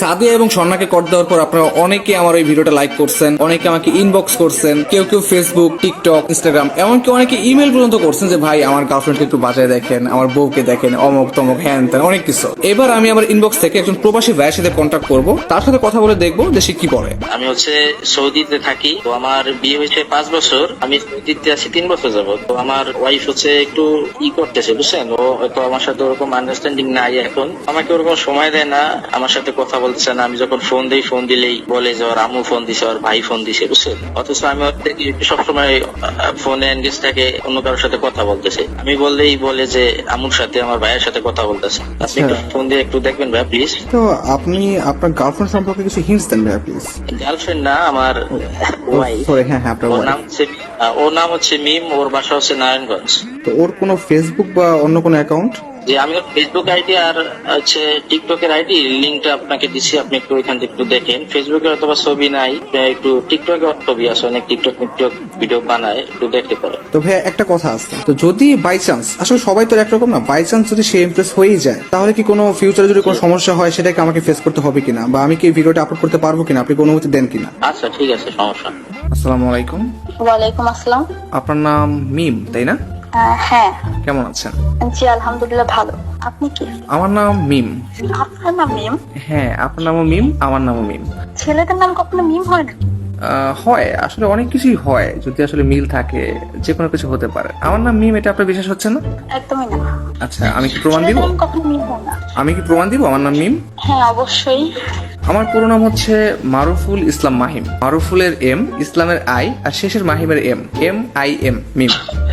সাদিয়া এবং স্বর্ণাকে কর দেওয়ার পর আপনারা অনেকে আমার এই ভিডিওটা লাইক করছেন, অনেকে আমাকে ইনবক্স করছেন, কেউ কেউ ফেসবুক, টিকটক, ইনস্টাগ্রাম, এমনকি অনেকে ইমেল পর্যন্ত করছেন যে ভাই আমার গার্লফ্রেন্ডকে একটু বাজায় দেখেন, আমার বউকে দেখেন, অমক তমক হ্যান ত্যান অনেক কিছু। এবার আমি আমার ইনবক্স থেকে একজন প্রবাসী ভাইয়ের সাথে কন্ট্যাক্ট করব, তার সাথে কথা বলে দেখবো যে সে কি বলে। আমি সৌদিতে থাকি, তো আমার বিয়ে হয়েছে 5 বছর, আমি সৌদিতে আছি 3 বছর যাবত। তো আমার ওয়াইফ একটু করতেছে, বুঝছেন, ও হয়তো আমার সাথে ওরকম আন্ডারস্ট্যান্ডিং নাই এখন, আমাকে ওরকম সময় দেয় না, আমার সাথে কথা বলতেছে না। আমি যখন ফোন দিই, ফোন দিলেই বলে যে ওর আম্মু ফোন দিছে, ওর ভাই ফোন দিছে, বুঝছেন। অথচ আমি সবসময় ফোনে এনগেজ থাকে, অন্য কারোর সাথে কথা বলতেছে। আমি বললেই বলে যে আম্মুর সাথে, আমার ভাইয়ের সাথে কথা বলতেছে। আপনি একটু ফোন দিয়ে একটু দেখবেন ভাই প্লিজ। তো আপনি আপনার গার্লফ্রেন্ড সম্পর্কে কিছু হিন্টস দেন ভাই প্লিজ। গার্লফ্রেন্ড না, আমার ওয়াইফ। সরি, হ্যাঁ হ্যাঁ, আপনার ওর নাম হচ্ছে মিম, ওর বাসা হচ্ছে নারায়ণগঞ্জ। তো ওর কোনো ফেসবুক বা অন্য কোনো অ্যাকাউন্ট? যে আমি ওর ফেসবুক আইডি আর টিকটকের আইডি লিঙ্কটা আপনাকে দিচ্ছি, আপনি একটু ওইখান থেকে একটু দেখেন। ফেসবুকে অথবা ছবি নাই, একটু টিকটকে ছবি আছে, অনেক টিকটক ভিডিও বানায়, একটু দেখতে পারেন। তো ভাই একটা কথা আছে, তো যদি বাই চান্স, আসলে সবাই তো একরকম না, বাই চান্স যদি সে ইমপ্রেস হয়েই যায়, তাহলে কি কোনো ফিউচারে যদি কোনো সমস্যা হয় সেটাকে আমাকে ফেস করতে হবে কিনা, বা আমি কি ভিডিওটা আপলোড করতে পারবো কিনা, আপনি কোনো অনুমতি দেন কিনা? আচ্ছা ঠিক আছে, সমস্যা। আসসালামু আলাইকুম। ওয়ালাইকুম আসসালাম। আপনার নাম মিম, তাই না? হ্যাঁ। কেমন আছেন? জি আলহামদুলিল্লাহ ভালো। আপনি কি? আমার নাম মিম। আপনার নাম মিম? হ্যাঁ, আপনার নামও মিম, আমার নামও মিম। ছেলেদের নাম কখনো মিম হয় না? হয়, আসলে অনেক কিছুই হয়, যদি আসলে মিল থাকে যে কোনো কিছু হতে পারে। আমার নাম মিম, এটা আপনার বিশ্বাস হচ্ছে না? একদমই না। আচ্ছা, আমি কি প্রমাণ দিব? ছেলেদের নাম কখনো মিম হয় না। আমি কি প্রমাণ দিব আমার নাম মিম? হ্যাঁ অবশ্যই। আমার পুরো নাম হচ্ছে মারুফুল ইসলাম মাহিম। মারুফুলের এম, ইসলামের আই, আর শেষের মাহিমের M, MIM, Mim.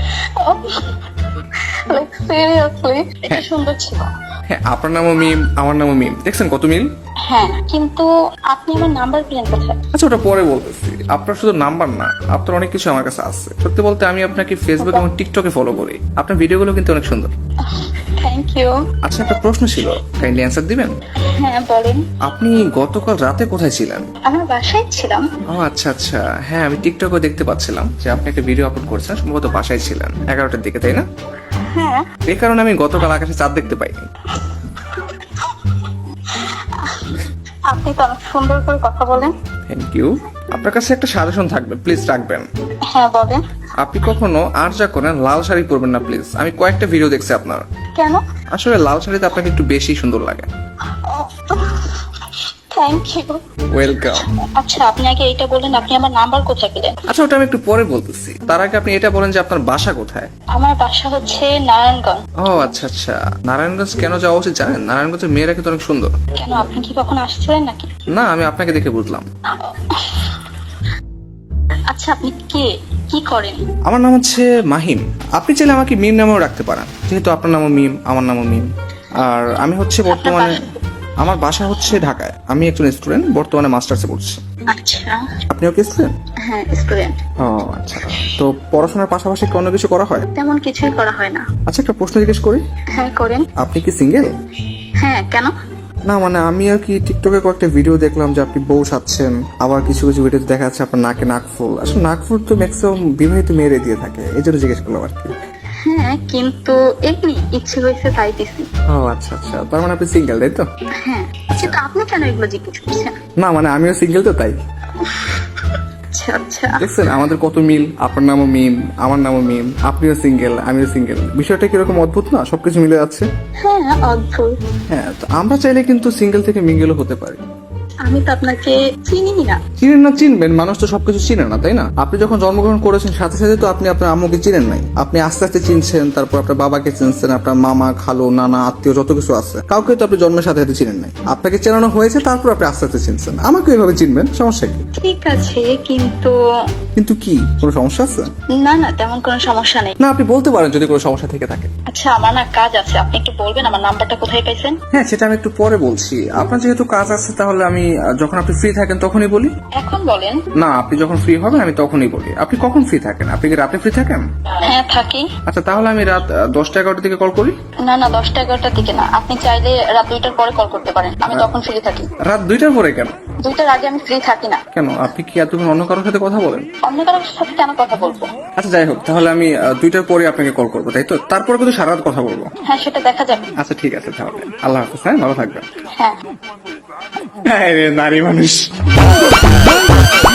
Like seriously এটা সুন্দর ছিল। হ্যাঁ, আপনার নামও মিম, আমার নামও মিম, দেখছেন কত মিল। হ্যাঁ, কিন্তু আপনি আমার নাম্বার পেলেন কোথায়? আচ্ছা, ওটা পরে বলতেছি। আপনার শুধু নাম্বার না, আপনার অনেক কিছু আমার কাছে আছে। সত্যি বলতে আমি আপনাকে ফেসবুক এবং টিকটকে ফলো করি। আপনার ভিডিওগুলো কিন্তু অনেক সুন্দর। Thank you. আচ্ছা, একটা প্রশ্ন ছিল, কাইন্ডলি অ্যান্সার দিবেন? হ্যাঁ বলেন। আপনি গতকাল রাতে কোথায় ছিলেন? আমার বাসায় ছিলাম। ও আচ্ছা আচ্ছা, হ্যাঁ আমি টিকটকে দেখতে পাচ্ছিলাম যে আপনি একটা ভিডিও আপলোড করেছেন, সম্ভবত বাসায় ছিলেন 11টার দিকে, তাই না? হ্যাঁ। এই কারণে আমি গতকাল আকাশে চাঁদ দেখতে পাইনি। আপনি তো অনেক সুন্দর করে কথা বলেন। Thank you. আপনার কাছে একটা সাজেশন থাকবে, প্লিজ রাখবেন। হ্যাঁ বলেন। আপনি কখনো আর যা করেন লাল শাড়ি পরবেন না প্লিজ। আমি কয়েকটা ভিডিও দেখছি আপনার। কেন? আসলে লাল শাড়িতে আপনাকে একটু বেশি সুন্দর লাগে। Thank you. ওয়েলকাম। আচ্ছা আপনি আগে এটা বলেন, আপনি আমার নাম্বার কোথায় পেলেন? আচ্ছা, ওটা আমি একটু পরে বলতেছি। তার আগে আপনি এটা বলেন যে আপনার বাসা কোথায়? আমার বাসা হচ্ছে নারায়ণগঞ্জ। ও আচ্ছা আচ্ছা, নারায়ণগঞ্জ কেন যাওয়া উচিত জানেন? নারায়ণগঞ্জের মেয়েরা কিন্তু অনেক সুন্দর। কেন, আপনি কি কখনো আসছিলেন নাকি? না, আমি আপনাকে দেখে বুঝলাম। আচ্ছা আপনি কে, কি করেন? আমার নাম হচ্ছে মাহিম। আপনি চাইলে আমাকে মিম নামেও রাখতে পারেন, যেহেতু আপনার নামও মিম, আমার নামও মিম। আর আমি হচ্ছে বর্তমানে, আমার বাসা হচ্ছে ঢাকায়। আমি একজন স্টুডেন্ট, বর্তমানে মাস্টার্সে পড়ছি। আচ্ছা। আপনিও কি স্টুডেন্ট? হ্যাঁ স্টুডেন্ট। ও আচ্ছা, তো পড়াশোনার পাশাপাশি কি অন্য কিছু করা হয়? তেমন কিছুই করা হয় না। আচ্ছা, একটা প্রশ্ন জিজ্ঞেস করি। হ্যাঁ করেন। আপনি কি সিঙ্গেল? হ্যাঁ কেন? না মানে আমি আর কি টিকটকে কয়েকটা ভিডিও দেখলাম যে আপনি বউ সাচ্ছেন, আবার কিছু কিছু ভিডিওতে দেখা যাচ্ছে আপনার নাকে নাকফুল। আসলে নাকফুল তো ম্যাক্সিমাম বিবাহিত মেয়েরে দিয়ে থাকে, এই জন্য জিজ্ঞেস করলাম আর কি। হ্যাঁ কিন্তু এমনি ইচ্ছে হয়েছে তাই দিছি। ও আচ্ছা আচ্ছা, তার মানে আপনি সিঙ্গেল, তাই তো? হ্যাঁ, কিন্তু আপনি কেন এগুলো জিজ্ঞেস করছেন? না মানে আমিও সিঙ্গেল তো, তাই। আচ্ছা আচ্ছা। দেখছেন আমাদের কত মিল, আপনার নামও মিম, আমার নামও মিম, আপনিও সিঙ্গেল, আমিও সিঙ্গেল। বিষয়টা কিরকম অদ্ভুত না, সবকিছু মিলে যাচ্ছে। হ্যাঁ অদ্ভুত। হ্যাঁ, তো আমরা চাইলে কিন্তু সিঙ্গেল থেকে মিঙ্গেলও হতে পারি। আমি তো আপনাকে চিনি না। চিনেন না, চিনবেন, মানুষ তো সবকিছু চিনে না, তাই না? আপনি যখন জন্মগ্রহণ করেছেন সাথে সাথে তো আপনি আপনার আম্মুকে চিনেন নাই। আপনি আস্তে আস্তে চিনছেন, তারপর আপনার বাবাকে চিনছেন, আপনার মামা, খালু, নানা, আত্মীয় যত কিছু আছে, কাউকে তো আপনি জন্মের সাথে সাথে চিনেন নাই। আপনাকে চেনানো হয়েছে, তারপর আপনি আস্তে আস্তে চিনছেন। আমাকে এইভাবে চিনবেন, সমস্যা কি? ঠিক আছে কিন্তু। কিন্তু কি, কোনো সমস্যা আছে? না না, তেমন কোনো সমস্যা নেই। না, আপনি বলতে পারেন যদি কোনো সমস্যা থেকে থাকে। আচ্ছা আমার না কাজ আছে, আপনি একটু বলবেন আমার নাম্বারটা কোথায় পাইছেন? হ্যাঁ, সেটা আমি একটু পরে বলছি। আপনার যেহেতু কাজ আছে, তাহলে আমি যখন আপনি ফ্রি থাকেন তখনই বলি? এখন বলেন। না, আপনি যখন ফ্রি হবেন আমি তখনই বলি। আপনি কখন ফ্রি থাকেন? আপনি কি রাতে ফ্রি থাকেন? হ্যাঁ থাকি। আচ্ছা, তাহলে আমি রাত 10টা-11টার দিকে কল করি। না না, 10টা-11টার দিকে না, আপনি চাইলে রাত 2টার পরে কল করতে পারেন, আমি তখন ফ্রি থাকি। রাত 2টার পরে কেন? 2টার আগে আমি ফ্রি থাকি না। কেন, আপনি কি এতক্ষণ অন্য কারোর সাথে কথা বলেন? অন্য কারোর সাথে কেন কথা বলবো? আচ্ছা যাই হোক, তাহলে আমি 2টার পরে আপনাকে কল করবো, তাই তো? তারপরে কিন্তু সারা রাত কথা বলবো। হ্যাঁ সেটা দেখা যাবে। আচ্ছা ঠিক আছে, তাহলে আল্লাহ হাফেজ। হ্যাঁ, ভালো থাকবেন। হ্যাঁ। হ্যাঁ রে, নারী মানুষ।